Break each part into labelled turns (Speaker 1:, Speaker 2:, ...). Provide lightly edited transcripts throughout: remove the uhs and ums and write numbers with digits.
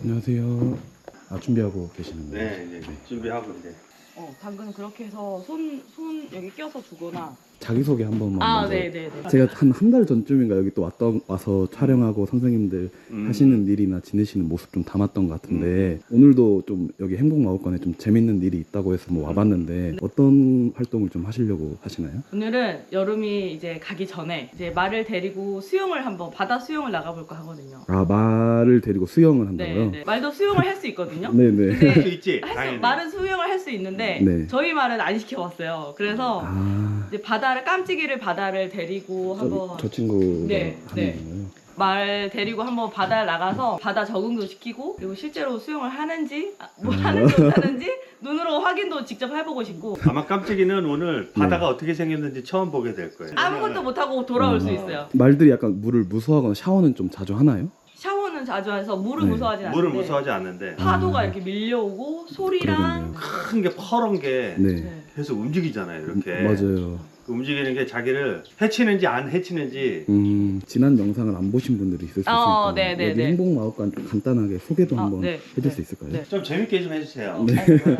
Speaker 1: 안녕하세요. 아, 준비하고 계시는 거예요?
Speaker 2: 네, 이제 준비하고 이제.
Speaker 3: 당근 그렇게 해서 손 여기 껴서 주거나.
Speaker 1: 자기소개 한 번만. 먼저.
Speaker 3: 네네네.
Speaker 1: 제가 한 달 전쯤인가 여기 또 와서 촬영하고 선생님들 하시는 일이나 지내시는 모습 좀 담았던 것 같은데 오늘도 좀 여기 행복마을관에 좀 재밌는 일이 있다고 해서 뭐 와봤는데 어떤 활동을 좀 하시려고 하시나요?
Speaker 3: 오늘은 여름이 이제 가기 전에 이제 말을 데리고 수영을 한번 바다 수영을 나가볼까 하거든요.
Speaker 1: 아, 말을 데리고 수영을 한다고요?
Speaker 3: 네. 말도 수영을 할 수 있거든요.
Speaker 1: 네네.
Speaker 2: 할 수
Speaker 3: 근데
Speaker 2: 있지. 당연히.
Speaker 3: 말은 수영을 할 수 있는데
Speaker 1: 네.
Speaker 3: 저희 말은 안 시켜봤어요. 그래서
Speaker 1: 아,
Speaker 3: 이제 깜찍이를 바다를 데리고 한번
Speaker 1: 저 친구가
Speaker 3: 네,
Speaker 1: 하는
Speaker 3: 네.
Speaker 1: 거예요?
Speaker 3: 말 데리고 한번 바다에 나가서 바다 적응도 시키고 그리고 실제로 수영을 하는지 뭘 하는지 못하는지 눈으로 확인도 직접 해보고 싶고
Speaker 2: 아마 깜찍이는 오늘 바다가 어떻게 생겼는지 처음 보게 될 거예요.
Speaker 3: 아무것도 못하고 돌아올 수 있어요.
Speaker 1: 말들이 약간 물을 무서워하거나 샤워는 좀 자주 하나요?
Speaker 3: 샤워는 자주 해서 물을
Speaker 1: 네.
Speaker 3: 무서워하진 않는데
Speaker 2: 물을 무서워하지 않는데
Speaker 3: 파도가 이렇게 밀려오고 소리랑
Speaker 2: 큰 게 퍼런 게
Speaker 1: 네.
Speaker 3: 네.
Speaker 2: 계속 움직이잖아요. 이렇게.
Speaker 1: 맞아요.
Speaker 2: 그 움직이는 게 자기를 해치는지 안 해치는지.
Speaker 1: 지난 영상을 안 보신 분들이 있을 수 있으니까
Speaker 3: 네네네.
Speaker 1: 여기 행복마을관 좀 간단하게 소개도 한번
Speaker 3: 네.
Speaker 1: 해줄 수 있을까요?
Speaker 3: 네.
Speaker 2: 좀 재밌게 좀 해주세요.
Speaker 1: 네.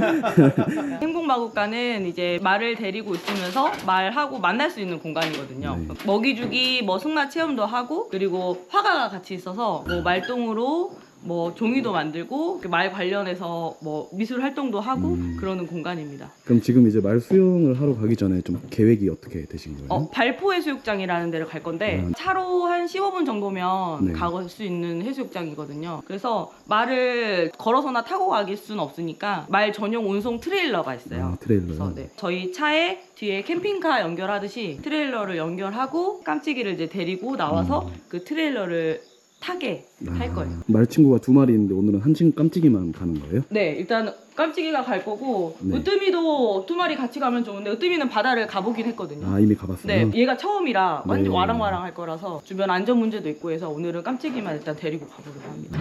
Speaker 3: 행복마국가는 이제 말을 데리고 있으면서 말하고 만날 수 있는 공간이거든요.
Speaker 1: 네.
Speaker 3: 먹이주기, 뭐 승마 체험도 하고 그리고 화가가 같이 있어서 뭐 말똥으로 뭐 종이도 만들고 말 관련해서 뭐 미술 활동도 하고 그러는 공간입니다.
Speaker 1: 그럼 지금 이제 말 수영을 하러 가기 전에 좀 계획이 어떻게 되신 거예요?
Speaker 3: 발포해수욕장이라는 데를 갈 건데 차로 한 15분 정도면
Speaker 1: 네.
Speaker 3: 갈 수 있는 해수욕장이거든요. 그래서 말을 걸어서나 타고 가길 수는 없으니까 말 전용 운송 트레일러가 있어요.
Speaker 1: 아, 트레일러요?
Speaker 3: 그래서 네, 저희 차에 뒤에 캠핑카 연결하듯이 트레일러를 연결하고 깜찍이를 이제 데리고 나와서 그 트레일러를 타게 할 거예요.
Speaker 1: 말 친구가 두 마리 있는데 오늘은 한 친구 깜찍이만 가는 거예요?
Speaker 3: 네, 일단 깜찍이가 갈 거고
Speaker 1: 네.
Speaker 3: 으뜸이도 두 마리 같이 가면 좋은데 으뜸이는 바다를 가보긴 했거든요.
Speaker 1: 아, 이미 가봤어요?
Speaker 3: 네, 얘가 처음이라
Speaker 1: 네.
Speaker 3: 완전 와랑와랑 할 거라서 주변 안전 문제도 있고 해서 오늘은 깜찍이만 일단 데리고 가보려고 합니다.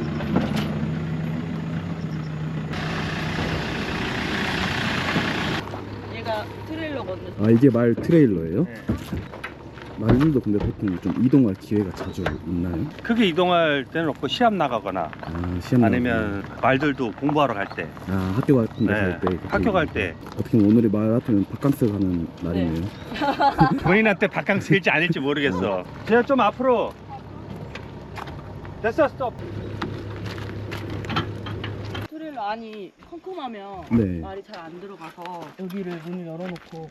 Speaker 3: 얘가 트레일러거든요.
Speaker 1: 아, 이게 말 트레일러예요?
Speaker 2: 네.
Speaker 1: 말들도 근데 보통 좀 이동할 기회가 자주 있나요?
Speaker 2: 크게 이동할 때는 없고 시합 나가거나
Speaker 1: 아, 시험
Speaker 2: 아니면 말들도 공부하러 갈 때.
Speaker 1: 아, 학교 같은 데
Speaker 2: 네.
Speaker 1: 갈 때
Speaker 2: 학교 갈 때.
Speaker 1: 어떻게 보면 오늘이 말 같으면 바캉스 가는 날이네요.
Speaker 2: 본인한테 바캉스일지 아닐지 모르겠어. 제가 좀 앞으로. 됐어, 스톱.
Speaker 3: 트레일러 안이 컴컴하면
Speaker 1: 네.
Speaker 3: 말이 잘 안 들어가서 여기를 문을 열어놓고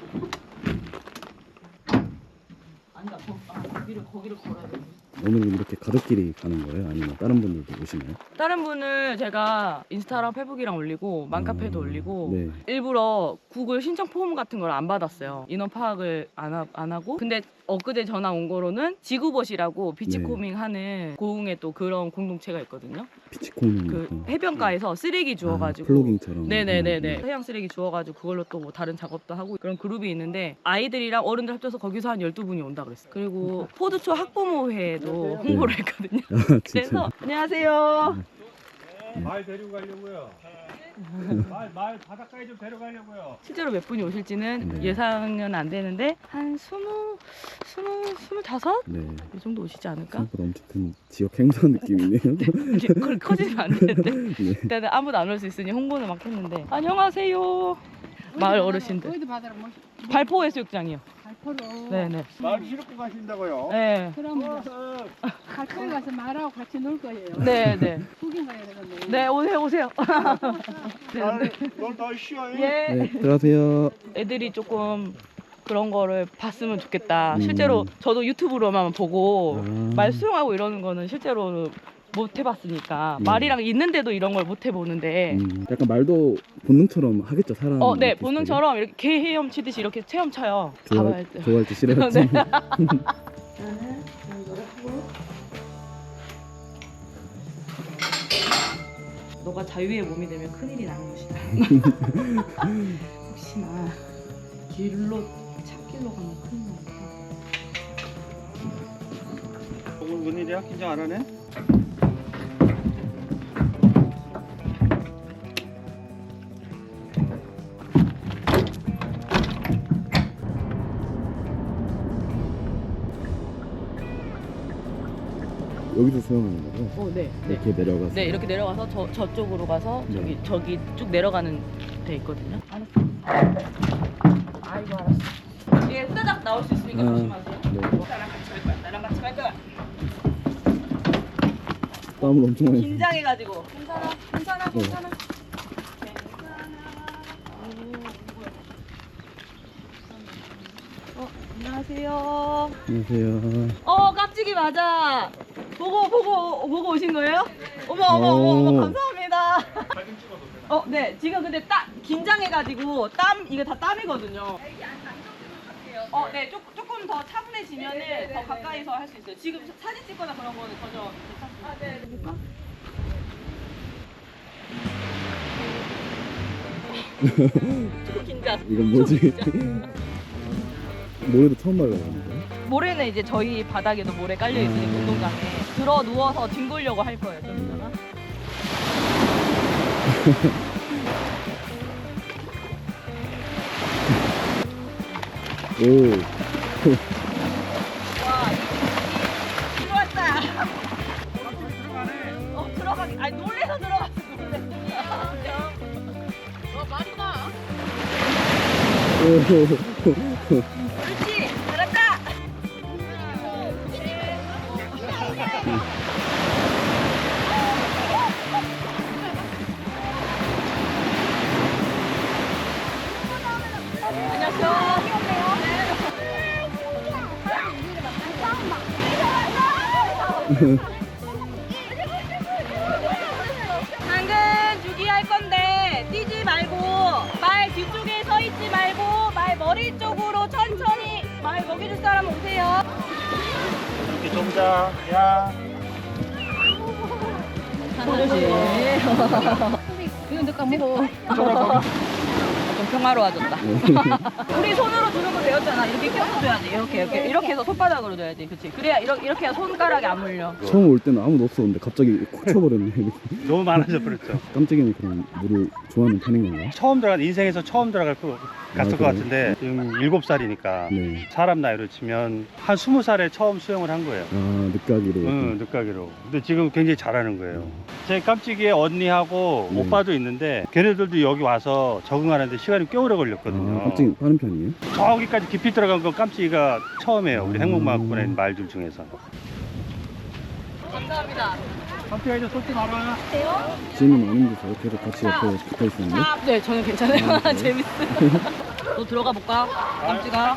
Speaker 3: 아니다, 거기를 걸어야 돼.
Speaker 1: 오늘은 이렇게 가족끼리 가는 거예요? 아니면 다른 분들도 오시나요?
Speaker 3: 다른 분을 제가 인스타랑 페북이랑 올리고 맘카페도 올리고
Speaker 1: 네.
Speaker 3: 일부러 구글 신청 폼 같은 걸 안 받았어요. 인원 파악을 안 하고. 근데 엊그제 전화 온 거로는 지구봇이라고 비치코밍 하는 고흥에 또 그런 공동체가 있거든요.
Speaker 1: 비치코는
Speaker 3: 그 해변가에서 쓰레기 주워가지고
Speaker 1: 플로깅처럼.
Speaker 3: 네네네네 해양 쓰레기 주워가지고 그걸로 또 뭐 다른 작업도 하고 그런 그룹이 있는데 아이들이랑 어른들 합쳐서 거기서 한 12분이 온다 그랬어요. 그리고 포드초 학부모회에도 홍보를 했거든요.
Speaker 1: 아, 진짜.
Speaker 3: 그래서 안녕하세요.
Speaker 2: 말 데리고 가려고요. 말 바닷가에 좀 데려가려고요.
Speaker 3: 실제로 몇 분이 오실지는
Speaker 1: 네.
Speaker 3: 예상은 안 되는데 한 25?
Speaker 1: 네.
Speaker 3: 이 정도 오시지 않을까?
Speaker 1: 생각보다 엄청 큰 지역 행사 느낌이네요.
Speaker 3: 이제 그걸 커지면 안 되는데
Speaker 1: 네.
Speaker 3: 일단은 아무도 안 올 수 있으니 홍보는 막 했는데 안녕하세요. 마을 어르신들.
Speaker 4: 어디 바다로 모시
Speaker 3: 발포 해수욕장이요.
Speaker 4: 발포로.
Speaker 3: 네네.
Speaker 2: 말 실고 가신다고요?
Speaker 3: 네.
Speaker 4: 그럼 발포에 가서 말하고 같이 놀 거예요.
Speaker 3: 네네.
Speaker 4: 구경 가야 되겠네.
Speaker 3: 네 오세요. 네.
Speaker 2: 널 쉬어.
Speaker 3: 예.
Speaker 1: 네, 들어가세요.
Speaker 3: 애들이 조금 그런 거를 봤으면 좋겠다. 실제로 저도 유튜브로만 보고 말 수영하고 이러는 거는 실제로 못 해봤으니까 말이랑 있는데도 이런 걸 못 해보는데
Speaker 1: 약간 말도 본능처럼 하겠죠, 사람.
Speaker 3: 네 본능처럼 이렇게 개 헤엄치듯이 이렇게 체험쳐요. 가봐야 돼.
Speaker 1: 좋아할 때 싫어했지.
Speaker 3: 네. 나는 이거를 하고 너가 자유의 몸이 되면 큰일이 나는 것이다. 혹시나 길로 찾길로 가면 큰일 나니까.
Speaker 2: 오늘 무슨 일이야? 긴장 안 하네?
Speaker 1: 여기서 수영하는 거죠?
Speaker 3: 네.
Speaker 1: 이렇게 내려가서.
Speaker 3: 네, 이렇게 내려가서 저쪽으로 가서
Speaker 1: 네.
Speaker 3: 저기 쭉 내려가는 데 있거든요. 알았어. 아이고 알았어. 얘 후다닥 나올 수 있으니까 조심하세요.
Speaker 1: 네.
Speaker 3: 나랑 같이 갈 거야. 나랑 같이 갈 거야.
Speaker 1: 땀을 엄청 많이.
Speaker 3: 긴장해가지고. 괜찮아. 괜찮아.
Speaker 1: 네.
Speaker 3: 괜찮아. 안녕하세요.
Speaker 1: 안녕하세요.
Speaker 3: 깜찍이 맞아. 보고 오신 거예요? 어머, 감사합니다. 네, 지금 근데 긴장해가지고 이거 다 땀이거든요. 네, 조금 더 차분해지면은 더 가까이서 할 수 있어요. 지금 사진 찍거나 그런 거는 전혀 괜찮습니다. 조금 긴장.
Speaker 1: 이건 뭐지? 모래도 처음 발라보는 거예요?
Speaker 3: 모래는 이제 저희 바닥에도 모래 깔려 있으니까 운동장에 들어 누워서 뒹굴려고 할 거예요. 좀 이따가.
Speaker 1: 오.
Speaker 3: 와, 들어왔다. 들어가기. 아니 놀래서 들어갔어. 말이 나. 그렇지. 잘한다. 당근 주기 할 건데 뛰지 말고 말 뒤쪽에 서 있지 말고 말 머리 쪽으로 천천히 말 먹여줄 사람 오세요.
Speaker 2: 이렇게 좀 자. 야.
Speaker 4: 이건 너 까먹어.
Speaker 3: 좀 평화로워졌다. 우리 손으로 주는 거 배웠잖아. 이렇게 껴서 줘야지. 이렇게 해서 손바닥으로 줘야지. 그렇지. 그래야 이렇게 해야 손가락이 안 물려.
Speaker 1: 처음 올 때는 아무도 없었는데 갑자기 콕 쳐버렸네.
Speaker 2: 너무 많아져 버렸죠.
Speaker 1: 깜찍이는 그럼 물을 좋아하는 편인 건가요?
Speaker 2: 인생에서 처음 들어갈 것 갔을 것
Speaker 1: 그래요?
Speaker 2: 같은데 지금 7살이니까
Speaker 1: 네.
Speaker 2: 사람 나이로 치면 한 20살에 처음 수영을 한 거예요.
Speaker 1: 아, 늦가기로.
Speaker 2: 응, 늦가기로. 근데 지금 굉장히 잘하는 거예요. 제 깜찍이의 언니하고
Speaker 1: 네.
Speaker 2: 오빠도 있는데 걔네들도 여기 와서 적응하는데 시간이 꽤 오래 걸렸거든요.
Speaker 1: 아, 깜찍이 빠른 편이에요?
Speaker 2: 저기까지 깊이 들어간 건 깜찍이가 처음이에요. 우리
Speaker 1: 음.
Speaker 2: 행복마을권에 있는 말들 중에서.
Speaker 3: 감사합니다.
Speaker 2: 깜찍아 이제 쏟지 마라.
Speaker 1: 지인은 안 힘드세요? 계속 같이 옆에 붙어 있었는데?
Speaker 3: 네, 저는 괜찮아요. 재밌어요. 너 들어가 볼까? 깜찍아.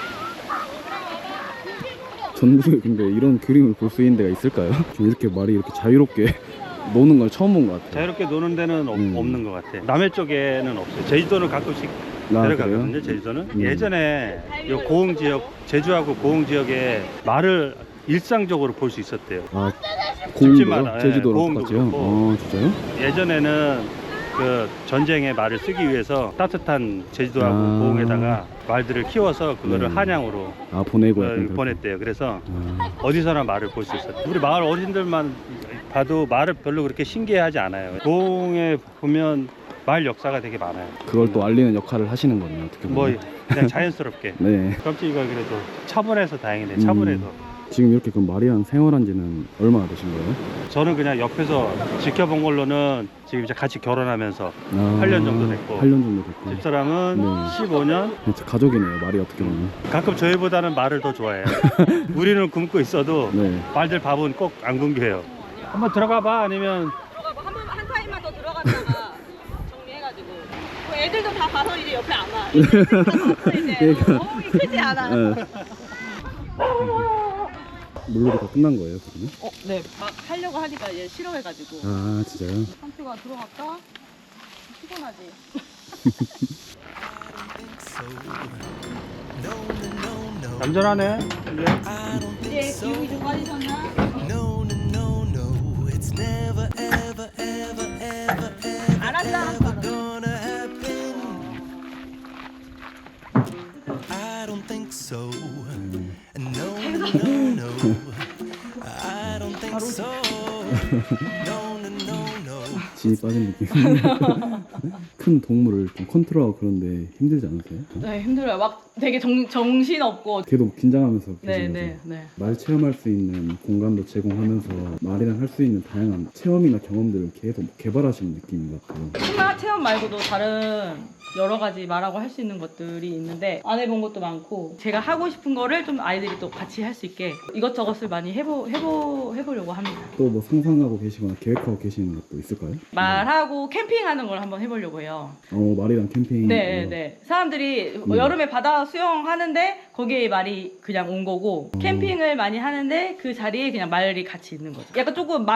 Speaker 1: 전국에 근데 이런 그림을 볼 수 있는 데가 있을까요? 좀 이렇게 말이 이렇게 자유롭게 노는 걸 처음 본 것 같아요.
Speaker 2: 자유롭게 노는 데는
Speaker 1: 음.
Speaker 2: 없는 것 같아. 남해 쪽에는 없어요. 제주도는 가끔씩 데려가거든요.
Speaker 1: 그래요?
Speaker 2: 제주도는.
Speaker 1: 음.
Speaker 2: 예전에 요 고흥 지역, 제주하고 고흥 지역에 말을 일상적으로 볼 수 있었대요.
Speaker 1: 아,
Speaker 2: 집집마다,
Speaker 1: 고흥도요?
Speaker 2: 예,
Speaker 1: 제주도랑
Speaker 2: 고흥도
Speaker 1: 똑같이요?
Speaker 2: 그렇고.
Speaker 1: 아, 진짜요?
Speaker 2: 예전에는 그 전쟁의 말을 쓰기 위해서 따뜻한 제주도하고
Speaker 1: 아.
Speaker 2: 고흥에다가 말들을 키워서 그거를
Speaker 1: 네.
Speaker 2: 한양으로
Speaker 1: 아, 보내고 약간 그렇게.
Speaker 2: 보냈대요. 그래서
Speaker 1: 아,
Speaker 2: 어디서나 말을 볼 수 있었대요. 우리 마을 어르신들만 봐도 말을 별로 그렇게 신기해하지 않아요. 고흥에 보면 말 역사가 되게 많아요.
Speaker 1: 그걸 또 알리는 역할을 하시는 거네요, 어떻게
Speaker 2: 뭐
Speaker 1: 보면.
Speaker 2: 그냥 자연스럽게.
Speaker 1: 네.
Speaker 2: 깜찍이가 그래도 차분해서 다행이네. 차분해서.
Speaker 1: 지금 이렇게 그럼 말이랑 생활한 지는 얼마나 되신 거예요?
Speaker 2: 저는 그냥 옆에서 지켜본 걸로는 지금 이제 같이 결혼하면서
Speaker 1: 아,
Speaker 2: 8년 정도 됐고.
Speaker 1: 8년 정도 됐고.
Speaker 2: 집사람은
Speaker 1: 네.
Speaker 2: 15년.
Speaker 1: 진짜 가족이네요, 말이 어떻게 보면.
Speaker 2: 가끔 저희보다는 말을 더 좋아해요. 우리는 굶고 있어도
Speaker 1: 네.
Speaker 2: 말들 밥은 꼭 안 굶겨요. 한번 들어가 봐. 아니면
Speaker 3: 들어가 한 타임만 더 들어갔다가 정리해가지고. 애들도 다 가서 이제 옆에 안 와. 애들도 다 가서 이제
Speaker 1: 그러니까.
Speaker 3: 어묵이 크지 않아.
Speaker 1: 네. 물놀이 다 끝난 거예요, 그러면?
Speaker 3: 네, 막 하려고 하니까 얘 싫어해가지고.
Speaker 1: 아, 진짜요?
Speaker 3: 깜찍아 들어갈까? 피곤하지?
Speaker 2: 얌전하네. 이제.
Speaker 3: 이제 기운이 좀 빠지셨나? 알았어, 알았어.
Speaker 5: I don't think so. No, no, no. I don't think so. No, no, no, no.
Speaker 1: 진이 빠진 느낌. 큰 동물을 좀 컨트롤하고 그런데 힘들지 않으세요?
Speaker 3: 네, 힘들어요. 막 되게 정신 없고.
Speaker 1: 걔도 긴장하면서
Speaker 3: 네,
Speaker 1: 계신
Speaker 3: 네,
Speaker 1: 거죠?
Speaker 3: 네.
Speaker 1: 말 체험할 수 있는 공간도 제공하면서 말이랑 할 수 있는 다양한 체험이나 경험들을 계속 개발하시는 느낌인 것 같아요.
Speaker 3: 승마 체험 말고도 다른 여러 가지 말하고 할 수 있는 것들이 있는데 안 해본 것도 많고 제가 하고 싶은 거를 좀 아이들이 또 같이 할 수 있게 이것저것을 많이 해보려고 합니다.
Speaker 1: 또 뭐 상상하고 계시거나 계획하고 계시는 것도 있을까요?
Speaker 3: 말하고 캠핑하는 걸 한번 해보려고 해요.
Speaker 1: 말이랑 캠핑.
Speaker 3: 네, 네. 사람들이 여름에 바다 수영하는데 거기에 말이 그냥 온 거고 캠핑을 많이 하는데 그 자리에 그냥 말이 같이 있는 거죠. 약간 조금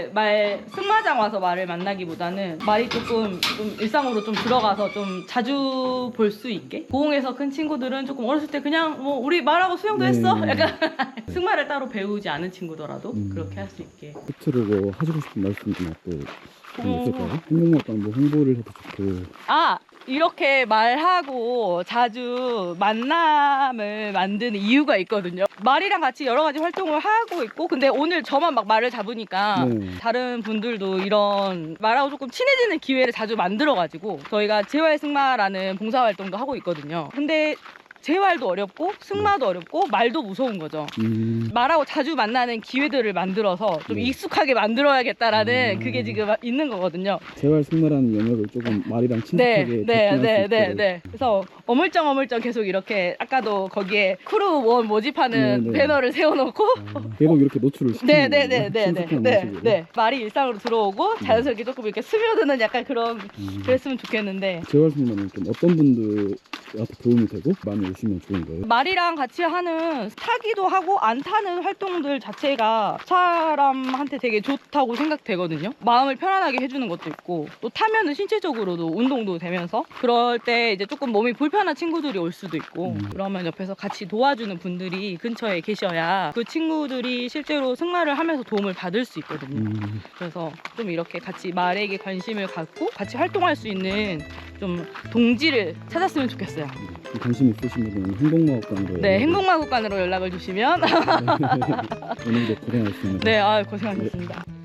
Speaker 3: 승마장 와서 말을 만나기보다는 말이 조금 좀 일상으로 좀 들어가서 좀 자주 볼 수 있게. 고흥에서 큰 친구들은 조금 어렸을 때 그냥 뭐 우리 말하고 수영도 했어?
Speaker 1: 네.
Speaker 3: 약간 승마를 따로 배우지 않은 친구더라도 그렇게 할 수 있게.
Speaker 1: 끝으로 뭐 하시고 싶은 말씀이나 또 그런 게 있을까요? 행복마당 뭐 홍보를 해도 좋고.
Speaker 3: 이렇게 말하고 자주 만남을 만드는 이유가 있거든요. 말이랑 같이 여러 가지 활동을 하고 있고, 근데 오늘 저만 막 말을 잡으니까
Speaker 1: 네.
Speaker 3: 다른 분들도 이런 말하고 조금 친해지는 기회를 자주 만들어가지고 저희가 재활승마라는 봉사활동도 하고 있거든요. 근데 재활도 어렵고 승마도 어렵고 말도 무서운 거죠. 말하고 자주 만나는 기회들을 만들어서 좀
Speaker 1: 네.
Speaker 3: 익숙하게 만들어야겠다라는 그게 지금 있는 거거든요.
Speaker 1: 재활 승마라는 영역을 조금 말이랑 친숙하게 접근할 수 있도록.
Speaker 3: 그래서 어물쩡 계속 이렇게 아까도 거기에 크루원 모집하는
Speaker 1: 네, 네.
Speaker 3: 배너를 세워놓고
Speaker 1: 계속 이렇게 노출을 시키는 거예요. 친숙한 모습으로.
Speaker 3: 네. 말이 일상으로 들어오고 자연스럽게 조금 이렇게 스며드는 약간 그런 그랬으면 좋겠는데
Speaker 1: 재활 승마는 좀 어떤 분들한테 도움이 되고 많이 오시면 좋은 거예요?
Speaker 3: 말이랑 같이 하는 타기도 하고 안 타는 활동들 자체가 사람한테 되게 좋다고 생각되거든요. 마음을 편안하게 해주는 것도 있고 또 타면은 신체적으로도 운동도 되면서 그럴 때 이제 조금 몸이 불편한 친구들이 올 수도 있고 그러면 옆에서 같이 도와주는 분들이 근처에 계셔야 그 친구들이 실제로 승마를 하면서 도움을 받을 수 있거든요. 그래서 좀 이렇게 같이 말에게 관심을 갖고 같이 활동할 수 있는 좀 동지를 찾았으면 좋겠어요.
Speaker 1: 관심 있으신 분은 행복마법관으로.
Speaker 3: 네, 행복마법관으로 연락을 주시면
Speaker 1: 오늘도 고생하셨습니다.
Speaker 3: 네, 고생하셨습니다.